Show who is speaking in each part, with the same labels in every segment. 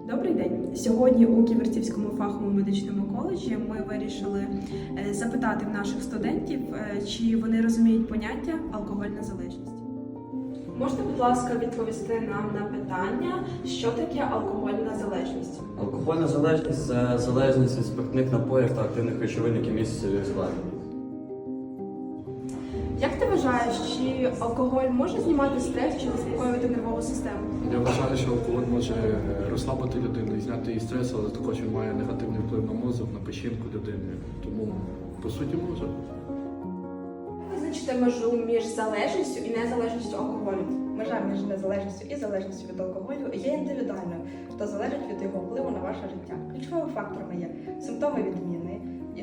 Speaker 1: Добрий день! Сьогодні у Ківерцівському фаховому медичному коледжі ми вирішили запитати в наших студентів, чи вони розуміють поняття алкогольна залежність. Можете, будь ласка, відповісти нам на питання, що таке алкогольна залежність?
Speaker 2: Алкогольна залежність – це залежність від спиртних напоїв та активних речовин, які містяться в їх складі.
Speaker 1: Як ти вважаєш, чи алкоголь може знімати стрес чи заспокоювати нервову систему?
Speaker 3: Я вважаю, що алкоголь може розслабити людину і зняти її стрес, але також він має негативний вплив на мозок, на печінку людини. Тому, по суті, може.
Speaker 1: Визначити межу між залежністю і незалежністю алкоголю.
Speaker 4: Межа між незалежністю і залежністю від алкоголю є індивідуальною, та залежить від його впливу на ваше життя. Ключовими факторами є симптоми відміни,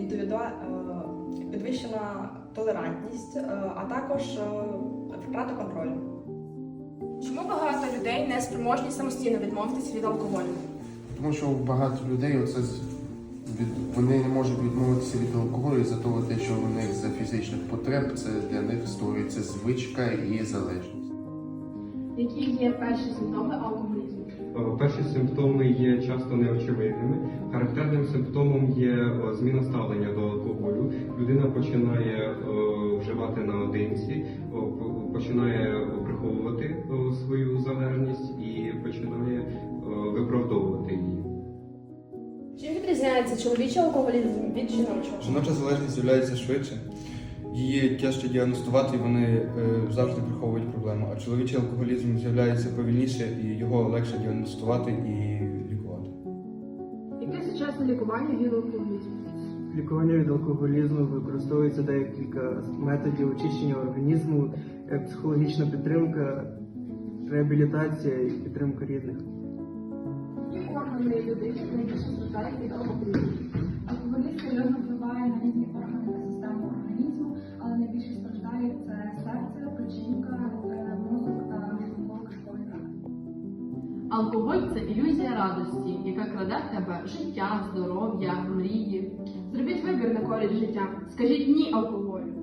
Speaker 4: підвищена толерантність, а також втрата контролю.
Speaker 1: Чому багато людей не спроможні самостійно відмовитися від алкоголю?
Speaker 5: Тому що багато людей вони не можуть відмовитися від алкоголю за того, що у них за фізичних потреб це для них створюється звичка і залежність.
Speaker 1: Які є перші симптоми алкоголізму?
Speaker 6: Перші симптоми є часто неочевидними. Характерним симптомом є зміна ставлення до алкоголю. Людина починає вживати наодинці, починає приховувати свою залежність і починає виправдовувати її.
Speaker 1: Чим відрізняється чоловічий алкоголізм від жіночого?
Speaker 7: Жіноча залежність з'являється швидше, її тяжче діагностувати, і вони завжди приховують проблему. А чоловічий алкоголізм з'являється повільніше, і його легше діагностувати і лікувати.
Speaker 8: Яке сучасне лікування від алкоголізму?
Speaker 9: Лікування від алкоголізму використовується декілька методів очищення організму, психологічна підтримка, реабілітація і підтримка рідних.
Speaker 8: Які органи людини найбільше страждають від алкоголізму?
Speaker 10: Алкоголізм серйозно впливає на різні органи та системи організму, але найбільше страждають це серце, печінка, мозок та шлунково-кишковий тракт.
Speaker 11: Алкоголь – це ілюзія радості, яка краде в тебе життя, здоров'я, мрії.
Speaker 1: Зробіть вибір на користь життя. Скажіть ні алкоголю.